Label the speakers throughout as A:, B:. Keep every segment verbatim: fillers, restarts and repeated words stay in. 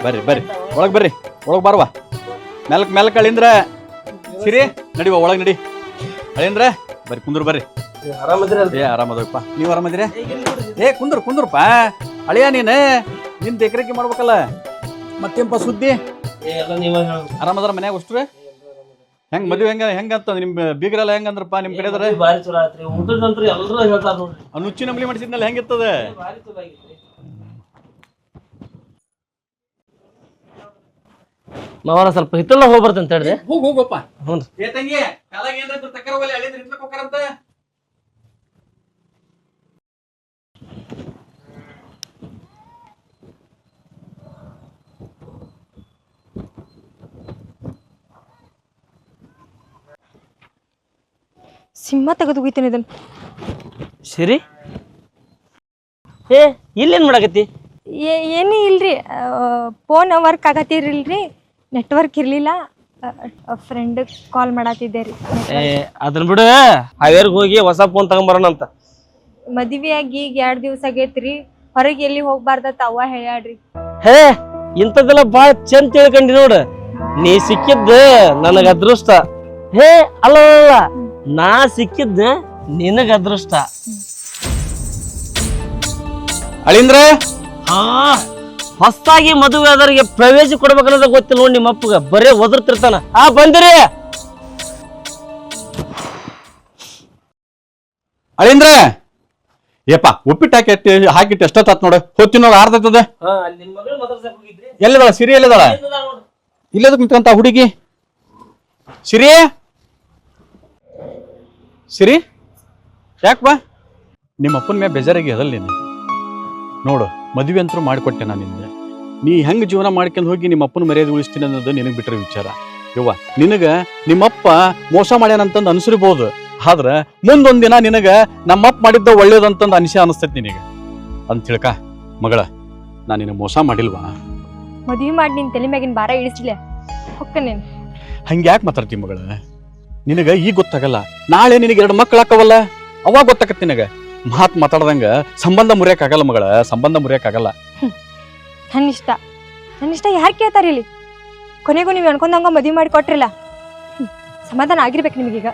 A: ಬರ್ರಿ ಬರ್ರಿ ಒಳಗೆ ಬರ್ರಿ ಒಳಗೆ ಬಾರವಾ ಮೆಲ್ಕ್ ಮೆಲ್ಕ್ ಅಳಿಂದ್ರ ಸಿರಿ ನಡಿವ ಒಳಗೆ ನಡಿ ಅಳಿಂದ್ರ ಬರ್ರಿ ಕುಂದ್ರು ಬರ್ರಿ ಏ ಆರಾಮದಪ್ಪ ನೀವು ಆರಾಮದಿರಿ ಏ ಕುಂದ್ರು ಕುಂದ್ರಪ್ಪ ಅಳಿಯ ನೀನು ನಿನ್ ದೇಕ್ರೇಕಿ ಮಾಡ್ಬೇಕಲ್ಲ ಮತ್ತೇನಪ್ಪ ಸುದ್ದಿ ಆರಾಮದಾರ ಮನ್ಯಾಗ ಅಷ್ಟ್ರೆ ಹೆಂಗ್ ಮದುವೆ ಹೆಂಗ ಹೆಂಗಂತ ನಿಮ್ ಬೀಗರೆಲ್ಲ ಹೆಂಗಂದ್ರಪ್ಪ ನಿಮ್ ಕಡೆ ನುಚ್ಚಿ ನಂಬಲಿ ಮಾಡಿಸಿದ್ನಲ್ಲ ಹೆಂಗಿರ್ತದ
B: ಮಾವನ ಸ್ವಲ್ಪ ಹಿತ್ತಲ್ಲ ಹೋಗಿ ಬರ್ತಂತ ಹೇಳಿದೆ
A: ಹೋಗ್ ಹೋಗಪ್ಪ
B: ಹ್ಞೂ
A: ಏ ತಂಗಿ ಕಾಲಾಗ ಏನ್ರ ತಕ್ಕರ ಒಲೆ ಅಳಿಂದ್ರ ಇಟ್ಲಕ್ ಹೋಗ್ತಾರಂತ
C: ಸಿಂಹ ತೆಗೆದು ಹೋಗ್ತೀನಿ ಇದನ್ನ
B: ಸರಿ ಏ ಇಲ್ಲೇನು ಮಾಡಕತ್ತಿ
C: ಏನೂ ಇಲ್ರಿ ಫೋನ್ ವರ್ಕ್ ಆಗತ್ತಿರಲ್ರಿ ನೆಟ್ವರ್ಕ್ ಇರಲಿಲ್ಲ ಫ್ರೆಂಡ್ ಕಾಲ್ ಮಾಡತ್ತಿದ್ದೆ ರೀ
B: ಏ ಅದನ್ನ ಬಿಡು ಹಾವೇರಿಗೆ ಹೋಗಿ ಹೊಸ ಫೋನ್ ತಗೊಂಬರೋಣ ಅಂತ
C: ಮದುವೆ ಆಗಿ ಈಗ ಎರಡು ದಿವಸ ಆಗೈತ್ರಿ ಹೊರಗೆ ಎಲ್ಲಿ ಹೋಗ್ಬಾರ್ದತ್ತ ಅವ್ವ ಹೇಳ್ಯಾಡ್ರಿ
B: ಹೇ ಇಂಥದ್ದೆಲ್ಲ ಭಾಳ ಚಂದ ತಿಳ್ಕೊಂಡಿ ನೋಡು ನೀ ಸಿಕ್ಕಿದ್ದು ನನಗ ಅದೃಷ್ಟ ಹೇ ಅಲ್ಲ ನಾ ಸಿಕ್ಕಿದ್ದ ನಿನಗ ಅದೃಷ್ಟ
A: ಅಳಿಂದ್ರ
B: ಹಾ ಹೊಸದಾಗಿ ಮದುವೆ ಆದವರಿಗೆ ಪ್ರವೇಶ ಕೊಡ್ಬೇಕನ್ನೋದ ಗೊತ್ತಿಲ್ಲ ನೋಡಿ ನಿಮ್ಮ ಅಪ್ಪಗ ಬರೇ ಒದರ್ತಿರ್ತಾನ ಆ ಬಂದಿರಿ
A: ಅಳಿಂದ್ರ ಏಪ್ಪ ಉಪ್ಪಿಟ್ಟು ಹಾಕಿ ಹಾಕಿಟ್ಟು ಎಷ್ಟೊತ್ತಾತ್ ನೋಡು ಹೊತ್ತಿ ನೋಡು ಆರ್ತದ ಎಲ್ಲದಾಳ ಸಿರಿ ಎಲ್ಲದಾಳ ಇಲ್ಲದ ಕುಂತ್ಕಂತ ಹುಡುಗಿ ಸಿರಿ ಸಿರಿ ಯಾಕೆ ಬಾ ನಿಮ್ಮ ಅಪ್ಪನ ಮೇಲೆ ಬೇಜಾರಾಗಿ ಅದಲ್ಲ ನೀನು ನೋಡು ಮದುವೆ ಅಂತರೂ ಮಾಡಿಕೊಟ್ಟೆ ನಾನು ನಿನ್ನೆ ನೀ ಹೆಂಗೆ ಜೀವನ ಮಾಡ್ಕೊಂಡು ಹೋಗಿ ನಿಮ್ಮ ಅಪ್ಪನ ಮರ್ಯಾದೆ ಉಳಿಸ್ತೀನಿ ಅನ್ನೋದು ನಿನಗೆ ಬಿಟ್ಟರೆ ವಿಚಾರ ಯವ್ವ ನಿನಗೆ ನಿಮ್ಮಪ್ಪ ಮೋಸ ಮಾಡ್ಯಾನಂತಂದು ಅನ್ಸಿರ್ಬೋದು ಆದ್ರೆ ಮುಂದೊಂದು ದಿನ ನಿನಗೆ ನಮ್ಮಪ್ಪ ಮಾಡಿದ್ದ ಒಳ್ಳೇದಂತಂದು ಅನಿಸೆ ಅನಿಸ್ತೈತಿ ನಿನಗೆ ಅಂತ ತಿಳ್ಕ ಮಗಳ ನಾನು ನಿನಗೆ ಮೋಸ ಮಾಡಿಲ್ವಾ
C: ಮದುವೆ ಮಾಡಿ ನಿನ್ ತಲೆ ಮ್ಯಾಗಿನ ಭಾರ ಇಳಿಸ್ಲಿಲ್ಲ ಹೊಕ್ಕ ನೀನು
A: ಹಂಗೆ ಯಾಕೆ ಮಾತಾಡ್ತಿ ಮಗಳ ನಿನಗೆ ಈಗ ಗೊತ್ತಾಗಲ್ಲ ನಾಳೆ ನಿನಗೆ ಎರಡು ಮಕ್ಕಳು ಹಾಕವಲ್ಲ ಅವಾಗ ಗೊತ್ತಾಗತ್ತೆ ನಿನಗೆ ಮಾತು ಮಾತಾಡ್ದಂಗ ಸಂಬಂಧ ಮುರಿಯಕ್ಕಾಗಲ್ಲ ಮಗಳ ಸಂಬಂಧ ಮುರಿಯಕ್ಕಾಗಲ್ಲ
C: ನನ್ನ ಇಷ್ಟ ನನ್ನ ಇಷ್ಟ ಯಾರು ಕೇಳ್ತಾರ ಇಲ್ಲಿ ಕೊನೆಗೂ ನೀವು ಅನ್ಕೊಂಡಂಗ ಮದುವೆ ಮಾಡಿ ಕೊಟ್ರಿಲ್ಲ ಸಮಾಧಾನ ಆಗಿರ್ಬೇಕು ನಿಮಗೀಗ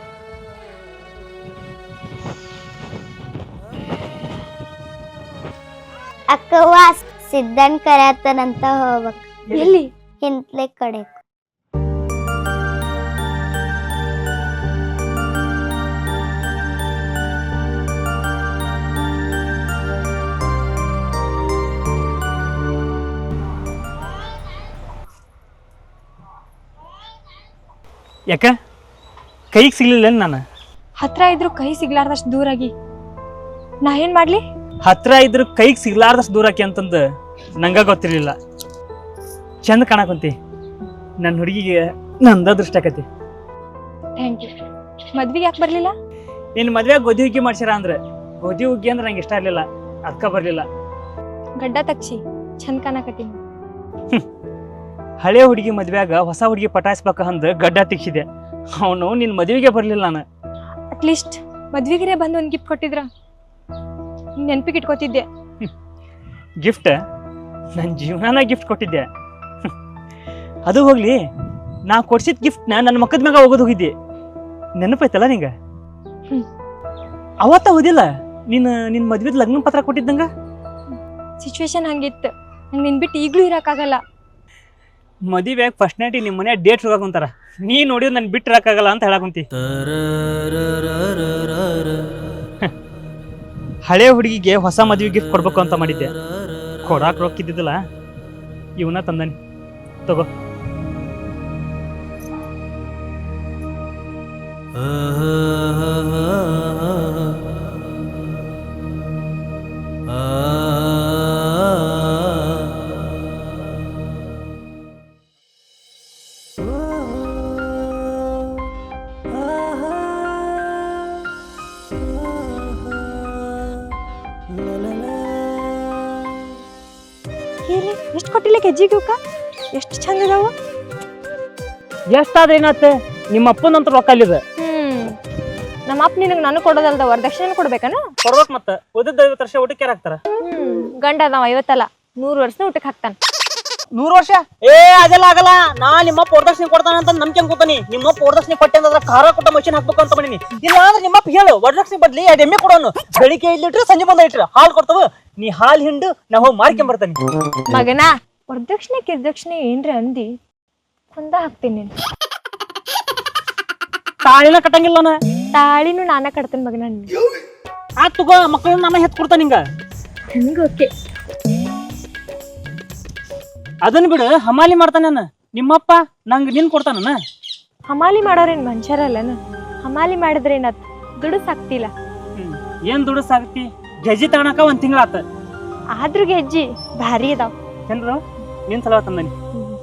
D: ಅಕ್ಕವ್ವ ಸಿದ್ಧನ್ ಕರೆಯತ್ತನಂತ ಹೋಗ್ಬೇಕು
C: ಎಲ್ಲಿ
D: ಹಿಂತ್ಲೆ ಕಡೆ
E: ಯಾಕ ಕೈಗೆ ಸಿಗ್ಲಿಲ್ಲ ನಾನು
C: ಹತ್ರ ಇದ್ರು ಕೈ ಸಿಗ್ಲಾರ್ದಷ್ಟು ದೂರಾಗಿ ನಾ ಏನ್ ಮಾಡ್ಲಿ
E: ಹತ್ರ ಇದ್ರು ಕೈಗೆ ಸಿಗ್ಲಾರ್ದಷ್ಟು ದೂರಕ್ಕೆ ಅಂತಂದು ನಂಗ ಗೊತ್ತಿರ್ಲಿಲ್ಲ ಚಂದ ಕಾಣಕಂತಿ ನನ್ನ ಹುಡುಗಿಗೆ ನಂದ ದೃಷ್ಟ ಆಕತಿ
C: ಥ್ಯಾಂಕ್ ಯು ಮದ್ವಿಗೆ ಯಾಕೆ ಬರ್ಲಿಲ್ಲ
E: ನಿನ್ನ ಮದ್ವೆ ಗೋಧಿ ಹುಗ್ಗಿ ಮಾಡ್ಸಿರ ಅಂದ್ರೆ ಗೋಧಿ ಹುಗ್ಗಿ ಅಂದ್ರೆ ನಂಗೆ ಇಷ್ಟ ಇರ್ಲಿಲ್ಲ ಅದಕ್ಕ ಬರ್ಲಿಲ್ಲ
C: ಗಡ್ಡ ತಕ್ಷಿ ಚಂದ ಕಾಣಕತ್ತೀನಿ
E: ಹಳೆ ಹುಡುಗಿ ಮದ್ವೆಯಾಗ ಹೊಸ ಹುಡುಗಿ ಪಟಾಯಿಸ್ಬೇಕ ಅಂದ್ ಗಡ್ಡ ತಿಕ್ಸಿದೆ ಅವನು ನಿನ್ನ ಮದುವೆಗೆ ಬರ್ಲಿಲ್ಲ ನಾನು
C: ಅಟ್ಲೀಸ್ಟ್ ಮದ್ವಿಗೆ ಬಂದು ಒಂದು ಗಿಫ್ಟ್ ಕೊಟ್ಟಿದ್ರ ನೆನ್ಪಿಗೆ ಇಟ್ಕೋತಿದ್ದೆ
E: ಗಿಫ್ಟ್ ನನ್ನ ಜೀವನಾನ ಗಿಫ್ಟ್ ಕೊಟ್ಟಿದ್ದೆ ಅದು ಹೋಗ್ಲಿ ನಾ ಕೊಡ್ಸಿದ ಗಿಫ್ಟ್ನ ನನ್ನ ಮಕ್ಕದ ಮ್ಯಾಗ ಹೋಗೋದು ಹೋಗಿದ್ದೆ ನೆನಪೈತಲ್ಲ ನಿಂಗ ಅವತ್ತ ಹೋದಿಲ್ಲ ನಿನ್ನ ನಿನ್ನ ಮದ್ವೆದ ಲಗ್ನ ಪತ್ರ ಕೊಟ್ಟಿದ್ದಂಗ
C: ಸಿಚುವೇಶನ್ ಹಂಗಿತ್ತು ನಂಗೆ ನಿನ್ ಬಿಟ್ಟು ಈಗಲೂ ಇರಕ್ಕಾಗಲ್ಲ
E: ಮದುವೆಯಾಗ ಫಸ್ಟ್ ನೈಟ್ ನಿಮ್ಮ ಮನೆ ಡೇಟ್ ಹೋಗಾಕುಂತಾರ ನೀ ನೋಡಿದ್ರೆ ನನ್ ಬಿಟ್ಟು ಇರಕ್ಕಾಗಲ್ಲ ಅಂತ ಹೇಳಕುಂತಿ ಹಳೆ ಹುಡುಗಿಗೆ ಹೊಸ ಮದುವೆ ಗಿಫ್ಟ್ ಕೊಡ್ಬೇಕು ಅಂತ ಮಾಡಿದ್ದೆ ಕೊಡಾಕ್ ರೊಕ್ಕಿದ್ದಿದ್ದಲ್ಲ ಇವನ ತಂದನಿ ತಗೋ
C: ಎಷ್ಟು ಕೊಟ್ಟಿಲ್ಲ ಕೆಜಿಗೂಕ ಎಷ್ಟು ಚಂದ ಇದಾವ
E: ಎಷ್ಟಾದ್ರೆ ಏನಾತ್ತೆ ನಿಮ್ಮ ಅಪ್ಪನಂತ ರೊಕ್ಕ ಅಲ್ಲಿದೆ
C: ಹ್ಮ್ ನಮ್ಮ ಅಪ್ಪ ನಿನಗೆ ನಾನು ಕೊಡೋದಲ್ದ ವರದಕ್ಷಿಣೆ ಕೊಡ್ಬೇಕನ
E: ಕೊಡ್ಬೇಕು ಮತ್ತೆ ಉಳಿದ ಐವತ್ತು ವರ್ಷ ಊಟಕ್ಕೆ ಯಾರು ಹಾಕ್ತಾರ
C: ಹ್ಮ್ ಗಂಡ ನಾವ್ ಐವತ್ತಲ್ಲ ನೂರು ವರ್ಷ ಊಟಕ್ಕೆ ಹಾಕ್ತಾನ
E: ನೂರು ವರ್ಷ ಏ ಅದೆಲ್ಲ ಆಗಲ್ಲ. ನಾ ನಿಮ್ಮಪ್ಪ ವರದಕ್ಷಿಣೆ ಕೊಡ್ತಾನ ಅಂತ ನಂಬಿಕೆ ಅನ್ಕೋತಾನಿ. ನಿಮ್ಮಪ್ಪ ವರದಕ್ಷಿಣೆ ಕೊಟ್ಟೆ ಅಂದ್ರೆ ಖಾರ ಕೊಟ್ಟ ಮಷಿನ್ ಹಾಕ್ಬೇಕು ಅಂತ ಮಾಡೀನಿ. ಇಲ್ಲ ಅಂದ್ರೆ ನಿಮ್ಮಪ್ಪ ಹೇಳು ವರದಕ್ಷಿಣೆ ಬದ್ಲಿ ಎರಡು ಎಮ್ಮೆ ಕೊಡೋನು. ಬೆಳಿಗ್ಗೆ ಐದು ಲೀಟ್ರ್ ಸಂಜೆ ಬಂದ ಲೀಟ್ರ್ ಹಾಲು ಕೊಡ್ತಾವ. ನೀ ಹಾಲು ಹಿಂಡು ನಾ ಹೋಗಿ ಮಾರ್ಕೊಂಡ್ ಬರ್ತಾನೆ.
C: ಮಗನ ವರದಕ್ಷಿಣೆ ಕಿರ್ದಕ್ಷಿಣೆ ಏನ್ರಿ ಅಂದಿ ಕೊಂದ ಹಾಕ್ತೀನಿ ನೀನು.
E: ತಾಳಿನ ಕಟ್ಟಂಗಿಲ್ಲ ನಾ.
C: ತಾಳಿನೂ ನಾನ ಕಟ್ತೇನೆ ಮಗನ.
E: ಆ ತಗೋ ಮಕ್ಕಳನ್ನ ನಾನು ಹೆತ್ ಕೊಡ್ತಾನ ನಿಂಗ.
C: ನನಗೆ ಓಕೆ.
E: ಅದನ್ನ ಬಿಡು, ಹಮಾಲಿ ಮಾಡ್ತಾನ ನಾನು. ನಿಮ್ಮಪ್ಪ ನಂಗೆ ನಿನ್ ಕೊಡ್ತಾನ.
C: ಹಮಾಲಿ ಮಾಡೋರೇನ್ ಮನುಷ್ಯರಲ್ಲನ? ಹಮಾಲಿ ಮಾಡಿದ್ರೆ ಏನಾತ್ ದುಡ್ಡು ಸಾಕ್ತಿಲ್ಲ.
E: ಹ್ಮ್ ಏನ್ ದುಡ್ಡು ಸಾಕ್ತಿ? ಗೆಜ್ಜಿ ತಗೊಳಕ ಒಂದ್ ತಿಂಗಳ ಆತ.
C: ಆದ್ರೂ ಗೆಜ್ಜಿ ಭಾರಿ ಅದಾವ.
E: ಚಂದ್ರ ನಿನ್ ಸಲ ತಂದನಿ.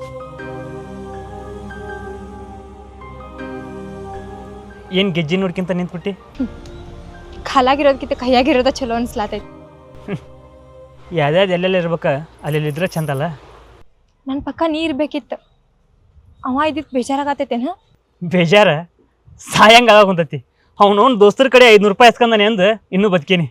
E: ಏನ್ ಗೆಜ್ಜಿ ನೋಡ್ಕಿಂತ ನಿಂತ್ಬಿಟ್ಟಿ?
C: ಕಾಲಾಗಿರೋದಕ್ಕಿಂತ ಕೈಯಾಗಿರೋದ ಚಲೋ ಅನ್ಸ್ಲಾತೈತಿ.
E: ಯಾವ್ದಾವ್ದು ಎಲ್ಲೆಲ್ಲ ಇರ್ಬೇಕ ಅಲ್ಲಿ ಇದ್ರೆ ಚಂದಲ್ಲ.
C: ನನ್ನ ಪಕ್ಕ ನೀ ಇರ್ಬೇಕಿತ್ತು. ಅವ ಇದ್ದಿದ್ದು ಬೇಜಾರಾಗತೈತೇನ?
E: ಬೇಜಾರ ಸಾಯಂಗ ಆಗ ಕುಂತತಿ. ಅವನವನ್ ದೋಸ್ತರ ಕಡೆ ಐದ್ನೂರು ರೂಪಾಯಿ ಎಸ್ಕಂದಾನೆ ಅಂದ ಇನ್ನೂ ಬದುಕೇನಿ.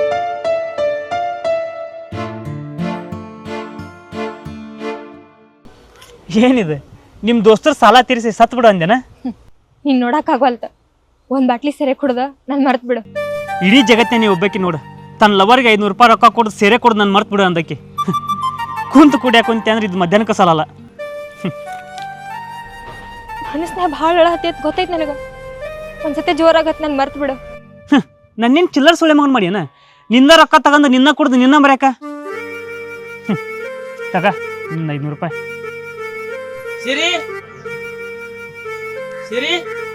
E: ಏನಿದೆ ನಿಮ್ ದೋಸ್ತರು ಸಾಲ ತೀರಿಸಿ ಸತ್ ಬಿಡು ಅಂದೇನ?
C: ನೀನ್ ನೋಡಕ್ ಆಗವಲ್ತ. ಒಂದ್ ಬಾಟ್ಲಿ ಸೆರೆ ಕುಡ್ದ ನನ್ ಮರ್ತ್ ಬಿಡು.
E: ಇಡೀ ಜಗತ್ತೇ ನೀವು ಒಬ್ಬಾಕಿ ನೋಡು. ತನ್ನ ಲವರ್ಗೆ ಐದ್ನೂರು ರೂಪಾಯಿ ರೊಕ್ಕ ಕೊಡು ಸೇರೆ ಕೊಡು ನಾನು ಮರ್ತ್ ಬಿಡು ಅಂದಕ್ಕೆ. ಕುಂತು ಕುಡಿಯಾಕ ಕುಂತೆ ಅಂದ್ರೆ ಇದು ಮಧ್ಯಾಹ್ನಕ್ಕೆ ಸಾಲಲ್ಲ.
C: ಮನಸ್ನಾಗ ಭಾಳ ಹತ್ತೈತ್ ಗೊತ್ತೈತ್ ನನಗ. ಒಂದ್ಸತಿ ಜೋರಾಗತ್ ನನ್ ಮರ್ತ್ ಬಿಡು.
E: ನನ್ನೇನು ಚಿಲ್ಲರ್ ಸುಳೆ ಮಗನ್ ಮಾಡಿಯನ? ನಿನ್ನ ರೊಕ್ಕ ತಗೊಂಡು ನಿನ್ನ ಕುಡ್ದು ನಿನ್ನ ಮರ್ಯಾಕ. ತಗ ನಿನ್ನ ಐದ್ನೂರು ರೂಪಾಯಿ. ಸಿರಿ ಸಿರಿ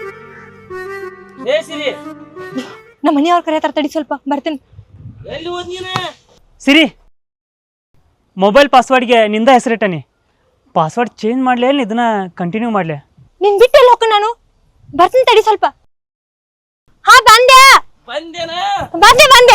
E: ಏ ಸಿರಿ,
C: ನಮ್ಮ ಮನೆಯವ್ರ ಕರೆಯತ್ತಾರ, ತಡಿ ಸ್ವಲ್ಪ ಬರ್ತೀನಿ.
E: ಸಿರಿ, ಮೊಬೈಲ್ ಪಾಸ್ವರ್ಡ್ಗೆ ನಿಂದ ಹೆಸರಿಟ್ಟನಿ. ಪಾಸ್ವರ್ಡ್ ಚೇಂಜ್ ಮಾಡ್ಲಿ ಅಲ್ಲಿ ಇದನ್ನ ಕಂಟಿನ್ಯೂ ಮಾಡ್ಲಿ?
C: ನಿನ್ ಬಿಟ್ಟೆಲ್ಲ ಹೋಗ, ನಾನು ಬರ್ತೀನಿ, ತಡಿ ಸ್ವಲ್ಪ. ಹಾ ಬಂದೆ ಬಂದೆ ಬಂದೆ.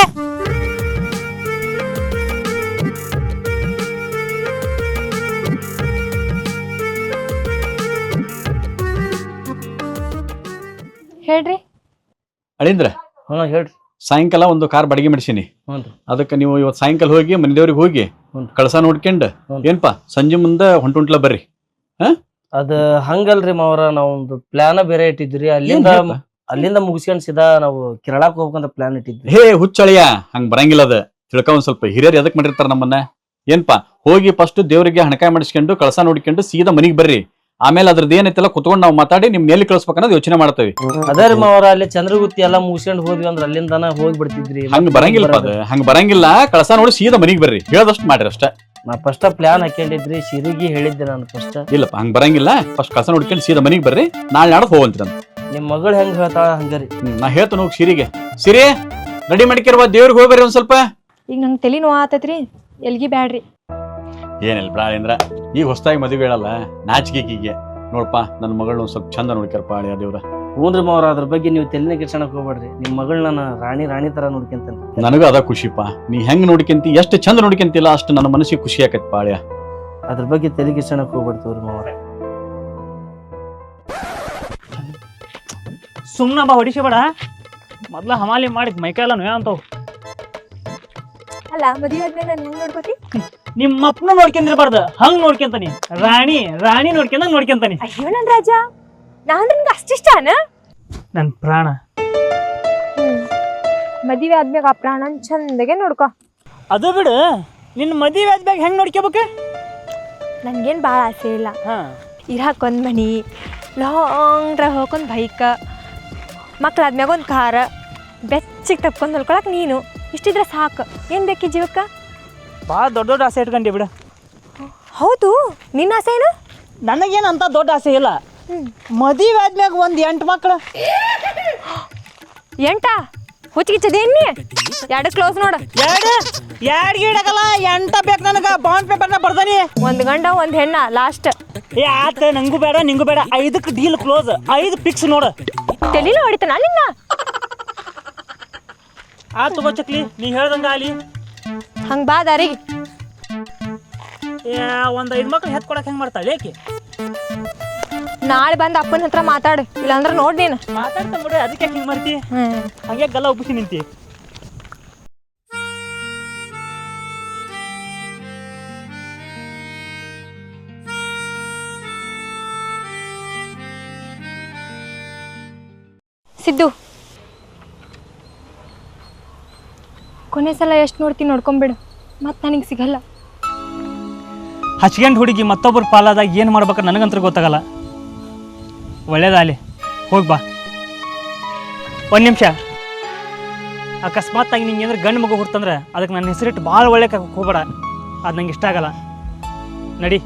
C: ಹೇಳ್ರಿ
A: ಅಳಿಂದ್ರ.
B: ಹಾ ಹೇಳ್ರಿ.
A: ಸಾಯಂಕಾಲ ಒಂದು ಕಾರ್ ಬಾಡಿಗೆ ಮಾಡಿಸೀನಿ.
B: ಹ್ಞೂ
A: ಅದಕ್ಕೆ ನೀವು ಇವತ್ತು ಸಾಯಂಕಾಲ ಹೋಗಿ ಮನೆ ದೇವ್ರಿಗೆ ಹೋಗಿ
B: ಹ್ಞೂ
A: ಕಳಸ ನೋಡ್ಕೊಂಡು
B: ಹ್ಞೂ
A: ಏನ್ಪಾ ಸಂಜೆ ಮುಂದೆ ಹೊಂಟುಂಟ್ಲ ಬರ್ರಿ.
B: ಅದ ಹಂಗಲ್ರಿ ಮಾವರ, ನಾವೊಂದು ಪ್ಲಾನ ಬೇರೆ ಇಟ್ಟಿದ್ರಿ. ಅಲ್ಲಿಂದ ಅಲ್ಲಿಂದ ಮುಗಿಸ್ಕೊಂಡ್ ಸೀದಾ ನಾವು ಕೇರಳಕ್ಕೆ ಹೋಗ್ಬೇಕಂತ ಪ್ಲಾನ್ ಇಟ್ಟಿದ್ವಿ.
A: ಹೇ ಹುಚ್ಚಳಿಯ, ಹಂಗ ಬರಂಗಿಲ್ಲ. ಅದ ತಿಳ್ಕ ಒಂದ್ ಸ್ವಲ್ಪ ಹಿರಿಯರು ಎದಕ್ ಮಾಡಿರ್ತಾರ ನಮ್ಮನ್ನ. ಏನ್ಪಾ ಹೋಗಿ ಫಸ್ಟ್ ದೇವ್ರಿಗೆ ಹಣಕಾಯಿ ಮಾಡಿಸ್ಕೊಂಡು ಕಳಸ ನೋಡ್ಕೊಂಡು ಸೀದಾ ಮನಿಗ್ ಬರ್ರಿ. ಆಮೇಲೆ ಅದ್ರದ್ದು ಏನೈತೆಲ್ಲ ಕುತ್ಕೊಂಡು ನಾವು ಮಾತಾಡಿ ನಿಮ್ ಎಲ್ಲಿ ಕಳ್ಸ್ಬೇಕನ್ನೋದು ಯೋಚನೆ ಮಾಡ್ತೇವೆ.
B: ಅದೇ ರೀ ಮಾವರ, ಅಲ್ಲಿ ಚಂದ್ರಗುತ್ತಿ ಎಲ್ಲಾ ಮುಗಿಸ್ಕೊಂಡು ಹೋದ್ವಿ ಅಂದ್ರೆ ಅಲ್ಲಿಂದಾನ ಹೋಗಿ ಬಿಡ್ತಿದ್ರಿ.
A: ಹಂಗ ಬರಂಗಿಲ್ಲ ಅದ, ಹಂಗ ಬರಂಗಿಲ್ಲ. ಕಳಸ ನೋಡಿ ಸೀದಾ ಮನಿಗ್ ಬರ್ರಿ, ಹೇಳದಷ್ಟು ಮಾಡ್ರಿ ಅಷ್ಟ.
B: ನಾ ಫಸ್ಟ್ ಪ್ಲಾನ್ ಹಾಕೊಂಡಿದ್ರಿ, ಸಿರಿಗೆ ಹೇಳಿದ್ದೆ ನಾನು ಫಸ್ಟ್.
A: ಇಲ್ಲಪ್ಪ ಹಂಗ ಬರಂಗಿಲ್ಲ. ಫಸ್ಟ್ ಕಳಸ ನೋಡ್ಕೊಂಡು ಸೀದಾ ಮನಿಗ್ ಬರ್ರಿ, ನಾಳೆ ನಾಡಕ್ ಹೋಗಂತೀರ.
B: ನಿಮ್ ಮಗಳು ಹೆಂಗ್ ಹೇಳ್ತಾಳ ಹಂಗರಿ.
A: ನಾ ಹೇಳ್ತಾನ ಹೋಗಿ ಸಿರಿಗೆ. ಸಿರಿ ರೆಡಿ ಮಾಡಿಕಿರುವ ದೇವ್ರಿಗೆ ಹೋಗ್ಬರ್ರಿ ಒಂದ್ ಸ್ವಲ್ಪ.
C: ಈಗ ನಂಗೆ ತಲೆ ನೋವು ಆತೈತ್ರಿ, ಎಲ್ಗಿ ಬ್ಯಾಡ್ರಿ.
A: ಏನಿಲ್ಲ ಬ್ರಾಳೇಂದ್ರ, ಈಗ ಹೊಸದಾಗಿ ಮದುವೆ ಹೇಳಲ್ಲ ನಾಚಿಕೆಗೆ ನೋಡಪ್ಪ, ನನ್ನ ಮಗಳನ್ನ ಒಂದ್ ಸ್ವಲ್ಪ ಚಂದ ನೋಡ್ಕ್ಯಾರಪ್ಪ ಅಳಿಯ ದೇವ್ರ.
B: ಹ್ಞೂನ್ರಿ ಮಾವರ, ಅದ್ರ ಬಗ್ಗೆ ನೀವು ತಲೆನೇ ಕೆಡ್ಸಣಕ್ ಹೋಗ್ಬೇಡ್ರಿ. ನಿಮ್ ಮಗಳನ್ನ ನಾ ರಾಣಿ ರಾಣಿ ತರ ನೋಡ್ಕೊಂತೇನೆ.
A: ನನಗೂ ಅದ ಖುಷಿಪ್ಪ. ನೀ ಹೆಂಗ್ ನೋಡ್ಕೊಂತಿ, ಎಷ್ಟು ಚಂದ ನೋಡ್ಕೊಂತಿಲ್ಲ ಅಷ್ಟು ನನ್ನ ಮನಸ್ಸಿಗೆ ಖುಷಿ ಆಕೈತಿ ಪಾಳ್ಯ.
B: ಅದ್ರ ಬಗ್ಗೆ ತಲೆ ಕೆಡ್ಸಣಕ್ ಹೋಗ್ಬಿಡ್ತೀವ್ರಿ ಮಾವರ.
E: ಸುಮ್ಮನ ಬಾ, ಹೊಡಿಸಬೇಡ. ಮೊದ್ಲ ಹಮಾಲಿ ಮಾಡಿದ್ ಮೈಕೈಲ್ಲ ನೋಯ ಅಂತವ್.
C: ಅಲ್ಲ ಮದುವೆ ಆದ್ಮೇಲೆ ನಾನು ಹೆಂಗ್ ನೋಡ್ಕೋತಿ?
E: ನಿಮ್ಮ ಅಪ್ಪನ ನೋಡ್ಕೊಂಡಿರ್ಬಾರ್ದು, ಹಂಗ್ ನೋಡ್ಕೊಂತಾನಿ. ರಾಣಿ ರಾಣಿ ನೋಡ್ಕೊಂಡಂಗ್ ನೋಡ್ಕೊಂತಾನಿ.
C: ಅಯ್ಯೋ ನನ್ ರಾಜ, ನಾನ್ ನಿನ್ಗೆ ಅಷ್ಟಿಷ್ಟನ?
E: ನನ್ ಪ್ರಾಣ.
C: ಹ್ಮ್ ಮದುವೆ ಆದ್ಮ್ಯಾಗ ಆ ಪ್ರಾಣನ್ ಚಂದಗೆ ನೋಡ್ಕೊ.
E: ಅದು ಬಿಡು, ನಿನ್ನ ಮದುವೆ ಆದ್ಮ್ಯಾಗ ಹೆಂಗ್ ನೋಡ್ಕೋಬೇಕು?
C: ನನ್ಗೇನ್ ಭಾಳ ಆಸೆ ಇಲ್ಲ.
E: ಹಾ,
C: ಇರಾಕೊಂದ್ ಮನಿ, ಲಾಂಗ್ ಡ್ರೈವ್ ಹೋಗೊಂದು ಬೈಕ್, ಮಕ್ಳಾದ್ಮ್ಯಾಗ ಒಂದು ಕಾರ್, ಬೆಚ್ಚಿಗೆ ತಪ್ಕೊಂಡು ನೋಡ್ಕೊಳಕ್ ನೀನು. ಇಷ್ಟಿದ್ರೆ ಸಾಕು. ಏನ್ ಬೇಕಿ ಜೀವಕ್ಕ?
E: ಭಾಳ ದೊಡ್ಡ ದೊಡ್ಡ ಆಸೆ ಇಟ್ಕೊಂಡಿ ಬಿಡು.
C: ಹೌದು, ನಿನ್ನ ಆಸೆ ಏನು?
E: ನನಗೇನು ಅಂತ ದೊಡ್ಡ ಆಸೆ ಇಲ್ಲ. ಮದುವೆ ಆದ್ಮ್ಯಾಗ ಒಂದು ಎಂಟು ಮಕ್ಳು.
C: ಎಂಟ ಹುಚ್ಚಿಗಿಚ್ಚದೆ ಎಣ್ಣಿ ಎರಡು ಕ್ಲೋಸ್ ನೋಡು.
E: ಎರಡು ಎರಡು ಗೀಡಕಲ್ಲ, ಎಂಟ ಬೇಕು ನನಗೆ. ಬಾಂಡ್ ಪೇಪರ್ನ ಬರ್ದಾನಿ.
C: ಒಂದು ಗಂಡ ಒಂದು ಹೆಣ್ಣ ಲಾಸ್ಟ್.
E: ಏ ಆತ, ನಂಗೂ ಬೇಡ ನಿಂಗೂ ಬೇಡ. ಐದಕ್ಕೆ ಡೀಲ್ ಕ್ಲೋಸ್, ಐದು ಫಿಕ್ಸ್ ನೋಡು.
C: ತೆಲಿನ ಹೊಡಿತಾನ ನಿನ್ನ.
E: ಆತು ಬಾ ಚಕ್ಲಿ, ನೀ ಹೇಳ್ದಂಗ ಅಲ್ಲಿ
C: ಹಂಗೆ ಬಾ ದಾರಿಗೆ.
E: ಒಂದು ಐದು ಮಕ್ಳು ಹೆತ್ ಕೊಡಕ್ಕೆ ಹೆಂಗೆ ಮಾಡ್ತಾಳೆ ಏಕೆ?
C: ನಾಳೆ ಬಂದು ಅಪ್ಪನ ಹತ್ರ ಮಾತಾಡು, ಇಲ್ಲಾಂದ್ರೆ ನೋಡಿ ನೀನು
E: ಮಾತಾಡ್ತಾ ಬಿಡು. ಅದಕ್ಕೆ ಹಿಂಗೆ ಮಾಡ್ತಿ?
C: ಹ್ಮ್
E: ಹಂಗೆ ಗಲ್ಲ ಒಪ್ಪಿಸಿ ನಿಂತಿ.
C: ಸಿದ್ದು ಕೊನೆ ಸಲ ಎಷ್ಟು ನೋಡ್ತೀನಿ ನೋಡ್ಕೊಂಬಿಡು ಮತ್ತೆ ನನಗೆ ಸಿಗಲ್ಲ.
E: ಹಚ್ಕೊಂಡು ಹುಡುಗಿ ಮತ್ತೊಬ್ಬರ ಪಾಲಾದಾಗ ಏನು ಮಾಡ್ಬೇಕು ನನಗಂತೂ ಗೊತ್ತಾಗಲ್ಲ. ಒಳ್ಳೇದಾಗಲಿ, ಹೋಗಿ ಬಾ. ಒಂದು ನಿಮಿಷ, ಅಕಸ್ಮಾತ್ ಆಗಿ ನಿಂಗೆ ಏನಾದ್ರು ಗಂಡು ಮಗು ಹುಡ್ತಂದ್ರೆ ಅದಕ್ಕೆ ನನ್ನ ಹೆಸರಿಟ್ಟು ಭಾಳ ಒಳ್ಳೆ ಹೋಗ್ಬೇಡ, ಅದು ನಂಗೆ ಇಷ್ಟ ಆಗಲ್ಲ. ನಡಿ.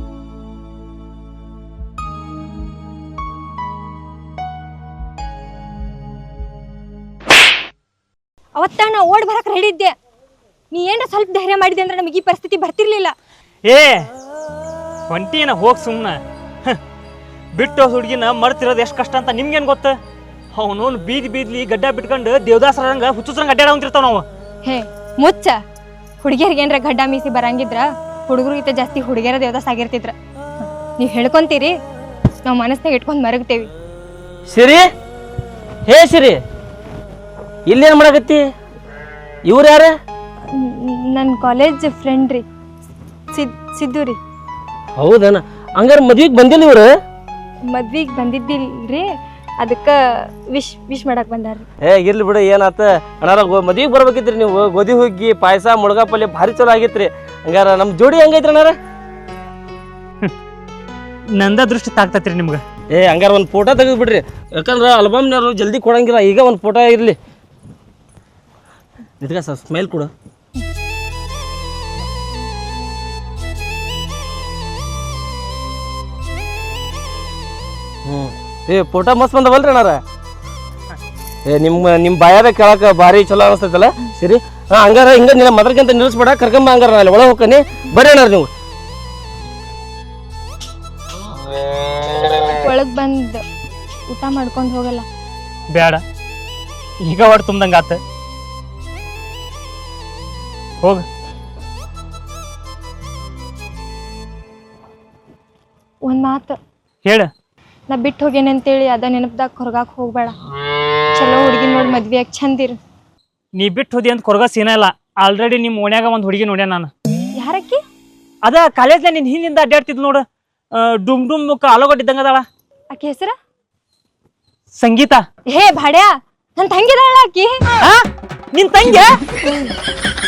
C: ಅವತ್ತ ನಾ ಓಡ್ ಬರಕ್ಕೆ ರೆಡಿ ಇದ್ದೆ. ನೀ ಏನ ಸ್ವಲ್ಪ ಧೈರ್ಯ ಮಾಡಿದೆ ಅಂದ್ರೆ ನಮಗೆ ಈ ಪರಿಸ್ಥಿತಿ ಬರ್ತಿರ್ಲಿಲ್ಲ.
E: ಏ ಹೊಂಟಿನ ಹೋಗಿ ಸುಮ್ಮನೆ ಬಿಟ್ಟು ಹುಡುಗಿನ ಮರ್ತಿರೋದು ಎಷ್ಟು ಕಷ್ಟ ಅಂತ ನಿಮ್ಗೇನು ಗೊತ್ತ? ಅವನು ಬೀದಿ ಬೀದ್ಲಿ ಗಡ್ಡ ಬಿಟ್ಕೊಂಡು ದೇವದಾಸರಂಗ ಹುಚ್ಚುಸ್ರಂಗ ಅಡ್ಡಾಡ ಹೊಂತಿರ್ತಾವ ನಾವು.
C: ಹೇ ಮುಚ್ಚ, ಹುಡುಗಿಯರಿಗೆ ಏನ್ರ ಗಡ್ಡ ಮೀಸಿ ಬರಂಗಿದ್ರ ಹುಡುಗರಿಗಿಂತ ಜಾಸ್ತಿ ಹುಡುಗಿಯರ ದೇವದಾಸ ಆಗಿರ್ತಿದ್ರ. ನೀವು ಹೇಳ್ಕೊಂತೀರಿ, ನಾವು ಮನಸ್ನಾಗ ಇಟ್ಕೊಂಡು ಮರಗ್ತೇವಿ.
B: ಸಿರಿ, ಹೇ ಸಿರಿ, ಇಲ್ಲೇನು ಮಾಡಕತ್ತಿ? ಇವ್ರು ಯಾರ?
C: ನನ್ನ ಕಾಲೇಜ್ ಫ್ರೆಂಡ್ ರೀ, ಸಿದ್ ಸಿದ್ದು ರೀ.
B: ಹೌದನ? ಹಂಗಾರೆ ಮದ್ವಿಗೆ ಬಂದಿಲ್ಲ ಇವ್ರು?
C: ಮದ್ವಿಗೆ ಬಂದಿದ್ದಿಲ್ರಿ, ಅದಕ್ಕೆ ವಿಶ್ ವಿಶ್ ಮಾಡಕ್ಕೆ ಬಂದಾರ್ರಿ.
B: ಏ ಇರ್ಲಿ ಬಿಡು, ಏನಾತ ಅಣ್ಣಾರ. ಮದ್ವಿಗೆ ಬರ್ಬೇಕಿದ್ರಿ ನೀವು. ಗೋಧಿ ಹುಗ್ಗಿ ಪಾಯಸ ಮುಳುಗಾ ಪಲ್ಯ ಭಾರಿ ಚಲೋ ಆಗಿತ್ರಿ. ಹಂಗಾರ ನಮ್ಮ ಜೋಡಿ ಹೆಂಗೈತ್ರಿ ಅಣ್ಣಾರ?
E: ನಂದ ದೃಷ್ಟಿ ತಾಗ್ತೈತ್ರಿ ನಿಮ್ಗೆ.
B: ಏ ಹಂಗಾರ ಒಂದು ಫೋಟೋ ತೆಗೆದು ಬಿಡ್ರಿ, ಯಾಕಂದ್ರೆ ಆಲ್ಬಮ್ನವ್ರು ಜಲ್ದಿ ಕೊಡಂಗಿಲ್ಲ. ಈಗ ಒಂದು ಫೋಟೋ ಇರಲಿ. ಇದಕ್ಕೆ ಸರ್ ಸ್ಮೈಲ್ ಕೊಡು. ಹ್ಞೂ ಏ ಫೋಟೋ ಮಸ್ತ್ ಬಂದವಲ್ರಿ ಅಣ್ಣಾರ? ಏ ನಿಮ್ಮ ನಿಮ್ಮ ಬಾಯಾದ ಕೇಳಕ್ಕೆ ಭಾರಿ ಚಲೋ ಅನಿಸ್ತೈತಲ್ಲ. ಸರಿ, ಹಾಂ ಹಂಗಾರ ಹಿಂಗೆ ನಿನ್ನ ಮದ್ರಕ್ಕಿಂತ ನಿಲ್ಲಿಸ್ಬೇಡ, ಕರ್ಕೊಂಬ. ಹಂಗಾರ ಅಲ್ಲಿ ಒಳಗೆ ಹೋಗ್ತಾನೆ. ಬರ್ರಿ ಅಣ್ಣಾರ ನೀವು.
C: ಒಳಗೆ ಬಂದು ಊಟ ಮಾಡ್ಕೊಂಡು ಹೋಗಲ್ಲ?
E: ಬೇಡ, ಈಗ ಹೊಟ್ಟು ತುಂಬ್ದಂಗೆ ಆತ. ಹೋಗ.
C: ಒಂದು ಮಾತು
E: ಹೇಳ.
C: ನಾ ಬಿಟ್ಟು ಹೋಗೇನೆ ಅಂತೇಳಿ ಅದ ನೆನಪದಾಗ ಹೊರಗಾಕ್ ಹೋಗ್ಬೇಡ. ಚಲೋ ಹುಡುಗಿ ನೋಡಿ ಮದ್ವೆ ಯಾಕೆ ಚಂದಿರು.
E: ನೀ ಬಿಟ್ಟು ಹೋದಿ ಅಂತ ಕೊರಗ ಸೀನ ಇಲ್ಲ. ಆಲ್ರೆಡಿ ನಿಮ್ಮ ಓಣ್ಯಾಗ ಒಂದು ಹುಡುಗಿ ನೋಡ್ಯ ನಾನು.
C: ಯಾರಕ್ಕಿ?
E: ಅದ ಕಾಲೇಜ್ನಾಗ ನಿನ್ನ ಹಿಂದಿಂದ ಅಡ್ಡಾಡ್ತಿದ್ ನೋಡು, ಡುಮ್ ಡುಮ್ ಮುಕ್ಕ ಆಲೋಗಡ್ಡಿದ್ದಂಗದಾಳ.
C: ಆಕೆ ಹೆಸರ
E: ಸಂಗೀತ.
C: ಹೇ ಭಾಡ್ಯಾ, ನನ್ನ ತಂಗಿದಾಳ ಆಕಿ.
E: ನಿನ್ ತಂಗಿ?